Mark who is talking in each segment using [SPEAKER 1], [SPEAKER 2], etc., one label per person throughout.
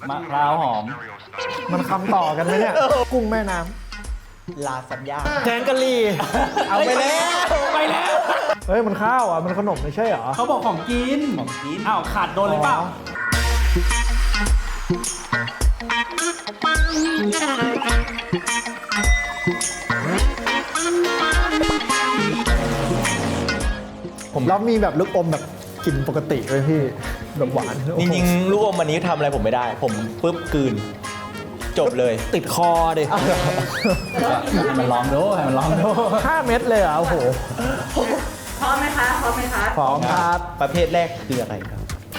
[SPEAKER 1] มะพร้าวหอม
[SPEAKER 2] มันคำต่อกันไหมเนี่ย กุ้งแม่น้
[SPEAKER 3] ลาซานญ่า
[SPEAKER 2] ำแกงกะหรี่
[SPEAKER 3] เอาไปแล้ว
[SPEAKER 1] ไปแล้ว
[SPEAKER 2] เฮ้ยมันข้าวอ่ะมันขนมไม่ใช่เหรอ
[SPEAKER 1] เขาบอกของกิน
[SPEAKER 3] ของกิน
[SPEAKER 1] อ้าวขาดโดนเลยเปล่า
[SPEAKER 2] ผมแล้วมีแบบลูกอมแบบกินปกติเลยพี่แบบหวาน
[SPEAKER 3] จริงๆลูกอมอันนี้ทำอะไรผมไม่ได้ ผมปุ๊บกลืน จบเลย
[SPEAKER 2] ติดคอดิ
[SPEAKER 1] ให้มันลองดูให้มันลองดู
[SPEAKER 2] 5 เม็ดเลยเหรอโอ้โห
[SPEAKER 4] พร้อมไหมคะ พร้อมไหมคะ
[SPEAKER 2] พร้อมครับ
[SPEAKER 3] ประเภทแรกคืออะไรครับ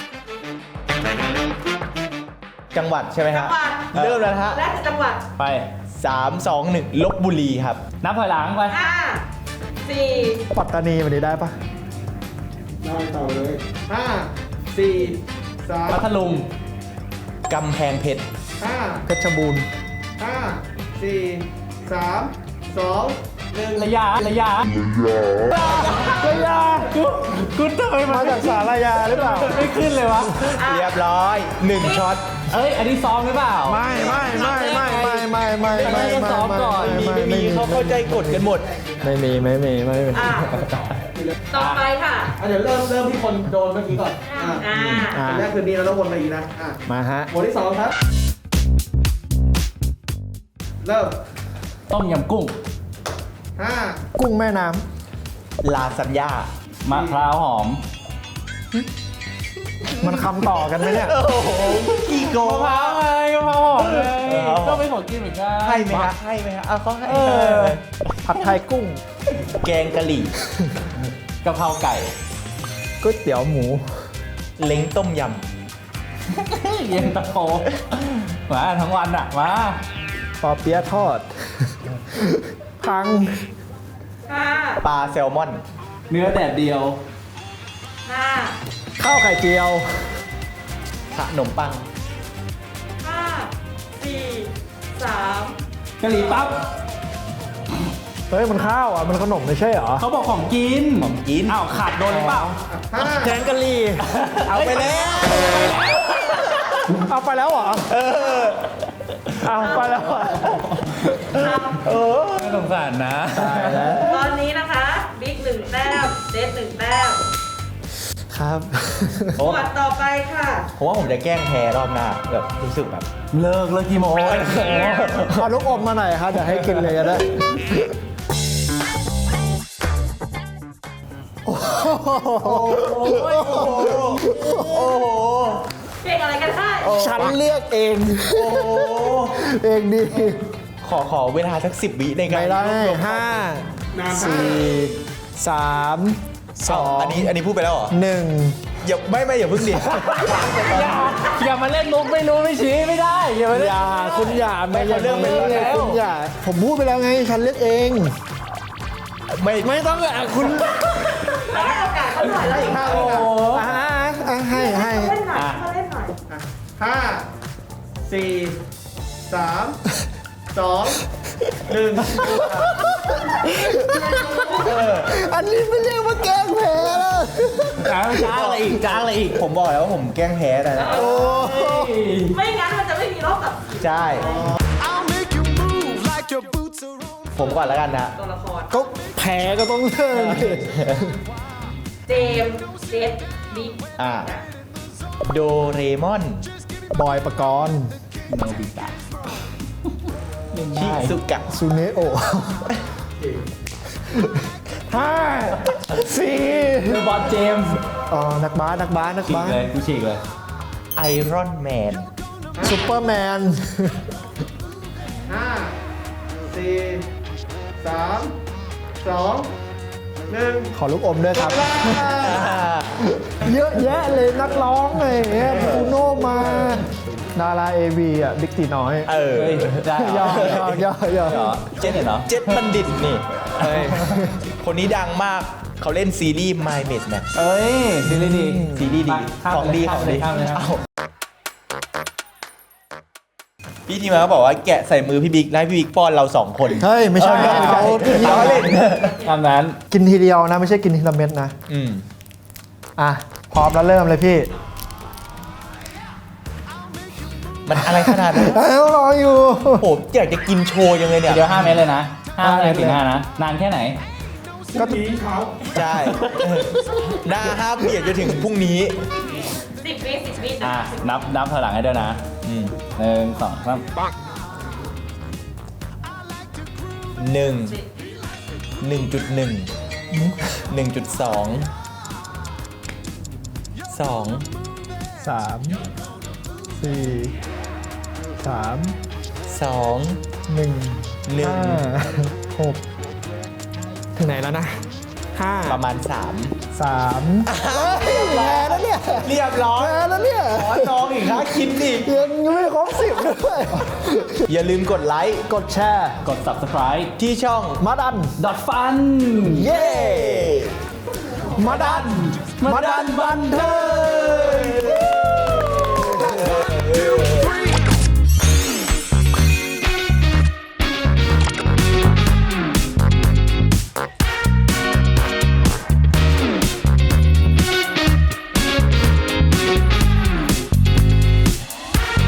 [SPEAKER 3] จังหวัดใช่ไหมฮะ
[SPEAKER 4] จังหวัด
[SPEAKER 3] เริ่มแล้วนะฮะ
[SPEAKER 4] แรกคือจังหวัด
[SPEAKER 1] ไป
[SPEAKER 3] 3 2 1ลบบุรีครับ
[SPEAKER 1] นับถอยหลังไป
[SPEAKER 4] 5 4
[SPEAKER 2] ปัตตานีมันได้ปะ
[SPEAKER 5] ได้ต่อเลย5 4
[SPEAKER 1] พัทลุง
[SPEAKER 3] กำแพงเพชร
[SPEAKER 5] 3
[SPEAKER 2] เพชรบูรณ์
[SPEAKER 5] 5 4 3 2
[SPEAKER 1] ระยะระยะกูทำไม
[SPEAKER 2] มาจากสารยาหรือเปล่า
[SPEAKER 1] ไม่ขึ้นเลยวะ
[SPEAKER 3] เรียบร้อย 1ช็อต
[SPEAKER 1] เอ้ย อันนี้ซ้อมหรือเปล่า
[SPEAKER 2] ไม่
[SPEAKER 3] มีเขาเข้าใจกฎกันหมด
[SPEAKER 2] ไม่มี
[SPEAKER 4] อ่ะต่อไปค่ะ
[SPEAKER 5] เดี๋ยวเริ่มที่คนโดนเมื่อกี้ก่อนอันแรกคือนี้เราต้องวนมาอีกนะ
[SPEAKER 2] มาฮะ
[SPEAKER 5] หมวดที่ 2 ครับ เริ่ม
[SPEAKER 1] ต้มยำกุ้ง
[SPEAKER 5] 5
[SPEAKER 2] กุ้งแม่น้
[SPEAKER 3] ลาซานญ่าม
[SPEAKER 1] ะพร้าวหอม
[SPEAKER 2] ำมันคำต่อกันไหมเนี่ย
[SPEAKER 3] โอ้โหกี่โก
[SPEAKER 1] มะพร้าวไงมะพร้าวหอมไงก็เป็นของกินเหมือนกัน
[SPEAKER 3] ให้ไหมฮะให้ไหมฮะเอาเขาให้
[SPEAKER 2] ผัดไทยกุ้ง
[SPEAKER 3] แกงกะหรี่
[SPEAKER 1] กะเพราไก่
[SPEAKER 2] ก๋วยเตี๋ยวหมู
[SPEAKER 3] เล้งต้มย
[SPEAKER 1] เย็นตาโฟมาทั้งวันอ่ะ มา
[SPEAKER 2] ปอเปี๊ยะทอด พัง
[SPEAKER 3] ำปลาแซลมอน
[SPEAKER 1] เนื้อแดดเดียว
[SPEAKER 4] 5
[SPEAKER 2] ข้าวไข่เจียว
[SPEAKER 3] ขนมปัง
[SPEAKER 4] 5 4 3
[SPEAKER 1] กะหรี่ปั๊บ
[SPEAKER 2] เฮ้ยมันข้าวอ่ะมันขนมไม่ใช่เหรอ
[SPEAKER 1] เขาบอกของกิน
[SPEAKER 3] ของกิน
[SPEAKER 1] อ้าวขาดโดนเลยเปล่า
[SPEAKER 2] แกงกะหรี่
[SPEAKER 3] เอาไปแล้ว
[SPEAKER 2] เอาไปแล้วเหรอ เอาไปแล้วเหรอ
[SPEAKER 1] น่าสงสารนะ
[SPEAKER 2] ตายแล้ว
[SPEAKER 4] ตอนนี้นะคะ บิ๊ก1 แต้มเจส1 แต้ม
[SPEAKER 2] ครับ
[SPEAKER 4] หมวดต่อไปค่ะ
[SPEAKER 3] ผมว่าผมจะแกล้งแพ้รอบหน้าแบบรู้สึกแบบ
[SPEAKER 1] เลิกกี่โมง
[SPEAKER 2] เอาลูกอมมาหน่อยครับเดี๋ยวให้กินเลยก็ได้
[SPEAKER 4] เก่งอะไรกันได้
[SPEAKER 2] ฉันเลือกเอง เองดี
[SPEAKER 3] ขอเวลาสัก10 วิในการ
[SPEAKER 2] ไม่ได้
[SPEAKER 3] รวบรวม
[SPEAKER 2] 5
[SPEAKER 5] นานไป
[SPEAKER 2] 4 3
[SPEAKER 3] อันนี้พูดไปแล้วเหรอ
[SPEAKER 2] 2 1
[SPEAKER 3] อย่าอย่าเพิ่งดิ
[SPEAKER 1] อย่ามาเล่นมุกไม่รู้ไม่ชี้ไม่ได้อย่ามาเล่น
[SPEAKER 2] อย่าคุณอย่าไม่อย่า
[SPEAKER 3] เรื่อง
[SPEAKER 2] ไม่
[SPEAKER 3] เรื่องแล้ว
[SPEAKER 2] คุณอย่าผมพูดไปแล้วไง ฉันเลือกเอง ไม่ต้องอ่ะคุณ
[SPEAKER 4] แล้วให้โอกาสเขาหน่อยแล้วอีก
[SPEAKER 5] 5
[SPEAKER 1] โอ้
[SPEAKER 5] แล้ว
[SPEAKER 1] โห
[SPEAKER 2] ให้
[SPEAKER 4] เล่นหน่อยเขาเล่นหน่อย
[SPEAKER 5] 5 4 3 2 1
[SPEAKER 2] อันนี้ไม่เรียกว่าแกล้งแพ้แล้ว
[SPEAKER 1] จ้างอะไรอีกจ้างอะไรอีก
[SPEAKER 3] ผมบอกแล้วว่าผมแกล้งแพ้แต่นะ
[SPEAKER 2] โอ้
[SPEAKER 4] ไม่งั้นมันจะไม่มีรอบตัดสิน
[SPEAKER 3] ใช่ ผมก่อนแล้วกันนะ
[SPEAKER 4] ตัวละคร
[SPEAKER 2] ก็แพ้ก็ต้องเลิกดิ
[SPEAKER 4] เจมส์เจสบิ๊ก
[SPEAKER 3] โดเรมอน
[SPEAKER 2] บอยปกรณ์
[SPEAKER 1] โนบิตะ
[SPEAKER 3] ชิซุกะ
[SPEAKER 2] ซูเนโอะห้าสี่
[SPEAKER 1] เดอะบอลเจมส์
[SPEAKER 2] อ๋อนักบาส
[SPEAKER 1] ฉีกเลยกูฉีกเลย
[SPEAKER 3] ไอรอนแมน
[SPEAKER 2] ซูเปอร์แมน
[SPEAKER 5] 5 4 3 2 1
[SPEAKER 2] ขอลูกอมด้วยครับ เยอะแยะเลยนักร้องไงเงี้ยบูโนมาดาราเอวีอ่ะบิ๊กตีน้อย
[SPEAKER 3] เออ
[SPEAKER 1] เฮ้ยได้เหรอ
[SPEAKER 2] ย่อ
[SPEAKER 1] เหรอเจ๊เห็นเหรอ
[SPEAKER 3] เจ็ดบัณฑิตนี่คนนี้ดังมาก เขาเล่นซีรีส์ My Mate Match
[SPEAKER 1] เอ้ยซีรีส์ดี
[SPEAKER 3] ซีรีส์ดี
[SPEAKER 1] ข้าม
[SPEAKER 3] ของดี
[SPEAKER 1] เลย
[SPEAKER 3] ของดี
[SPEAKER 1] ข้ามเลยข้ามเลย
[SPEAKER 3] เอ้าพี่ทีมาเขาบอกว่าแกะใส่มือพี่บิ๊กแล้วให้พี่บิ๊กป้อนเรา2 คน
[SPEAKER 2] เฮ้ย ไม่ใช่เขา
[SPEAKER 3] เราเล่น
[SPEAKER 1] ตามนั้น
[SPEAKER 2] กินทีเดียวนะ ไม่ใช่กินทีละเม็ดนะ
[SPEAKER 3] อืม
[SPEAKER 2] อ่ะ พร้อมแล้วเริ่มเลยพี่
[SPEAKER 3] มันอะไรขนาดนั้น
[SPEAKER 2] แล้วรออยู่
[SPEAKER 3] โอ้อยากจะกินโชว์ยังเลยเนี่ย
[SPEAKER 1] เดี๋ยว5 เมตรเลยนะ5
[SPEAKER 2] 5
[SPEAKER 1] นาทีถึง5นะ นานแค่ไหน
[SPEAKER 5] ก็ทีเช้า
[SPEAKER 3] ใช่หน้าห้ามเบียดจนถึงพรุ่งนี้
[SPEAKER 4] 10 วิ10 วิ
[SPEAKER 1] อ่ะ นับถอยหลังให้ด้วยนะ
[SPEAKER 3] อืม
[SPEAKER 1] 1 2 3
[SPEAKER 3] สาม
[SPEAKER 2] 4 3
[SPEAKER 3] สอง
[SPEAKER 2] 1
[SPEAKER 3] หนึ่ง
[SPEAKER 2] 5 6 ถึงไหนแล้วนะ5
[SPEAKER 3] ประมาณ
[SPEAKER 2] 3แพ้แล้วเนี่ย
[SPEAKER 3] เรียบร้อย
[SPEAKER 2] แพ้แล้วเนี่ย
[SPEAKER 3] ขอน้องอีกนะคิดอีก
[SPEAKER 2] ยังไม่ครบ10ด้วย
[SPEAKER 3] อย่าลืมกดไลค์
[SPEAKER 2] กดแชร์
[SPEAKER 1] กด subscribe
[SPEAKER 3] ที่ช่อง
[SPEAKER 2] มาดัน
[SPEAKER 1] fun
[SPEAKER 3] เย้
[SPEAKER 2] มาดัน
[SPEAKER 1] มาดันบันเทิง